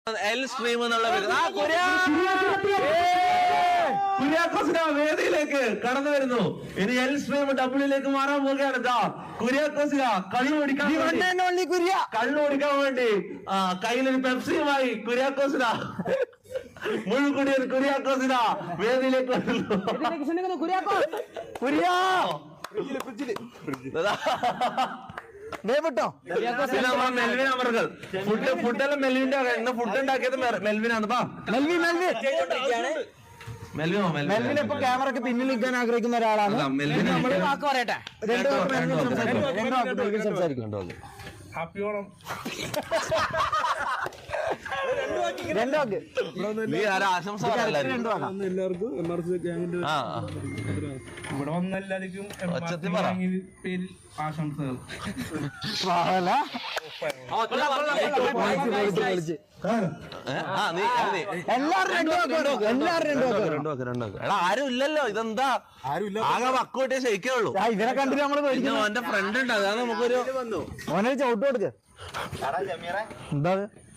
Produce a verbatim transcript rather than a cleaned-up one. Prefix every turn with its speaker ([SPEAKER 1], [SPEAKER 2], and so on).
[SPEAKER 1] L stream എന്നുള്ള വേദിയിലേക്ക് കടന്നു വരുന്നു. ഇനി എൽ സ്ട്രീം ഡബ്ല്യൂയിലേക്ക് മാറാൻ പോവുകയാണ്. കുര്യാക്കോസിന കള്ളു കുടിക്കാൻ കള്ളു കുടിക്കാൻ വേണ്ടി ആ കയ്യിലൊരു പെപ്സിയുമായി കുര്യാക്കോസിന മുഴുകുടിയൻ കുര്യാക്കോസിന വേദിയിലേക്ക് വരുന്നു. മെൽവിൻ അമർകൾ ഫുഡ് ഫുഡെല്ലാം മെൽവിന്റെ ഇന്ന് ഫുഡ് ഉണ്ടാക്കിയത് മെൽവിനാണ്. മെൽവിനോ മെൽവിൻ ഇപ്പൊ ക്യാമറക്ക് പിന്നിൽ നിൽക്കാൻ ആഗ്രഹിക്കുന്ന ഒരാളാണ്. മെൽവിൻ നമ്മൾ വാക്ക് പറയട്ടെ. സംസാരിക്കുന്നുണ്ടോ? ഹാപ്പി ഓണം. ആശംസ എല്ലാവർക്കും ഇവിടെ വന്ന എല്ലാവർക്കും പേരിൽ ആശംസകൾ. ആരും ഇല്ലല്ലോ, ഇതെന്താ ആകെ വക്കോട്ടേ ശയിക്കേ ഉള്ളൂ. ഇതിനെ കണ്ടിട്ട് നമ്മള് എന്റെ ഫ്രണ്ട് ഉണ്ട്, അതാണ് നമുക്കൊരു ചവിട്ട് കൊടുക്ക. എന്താ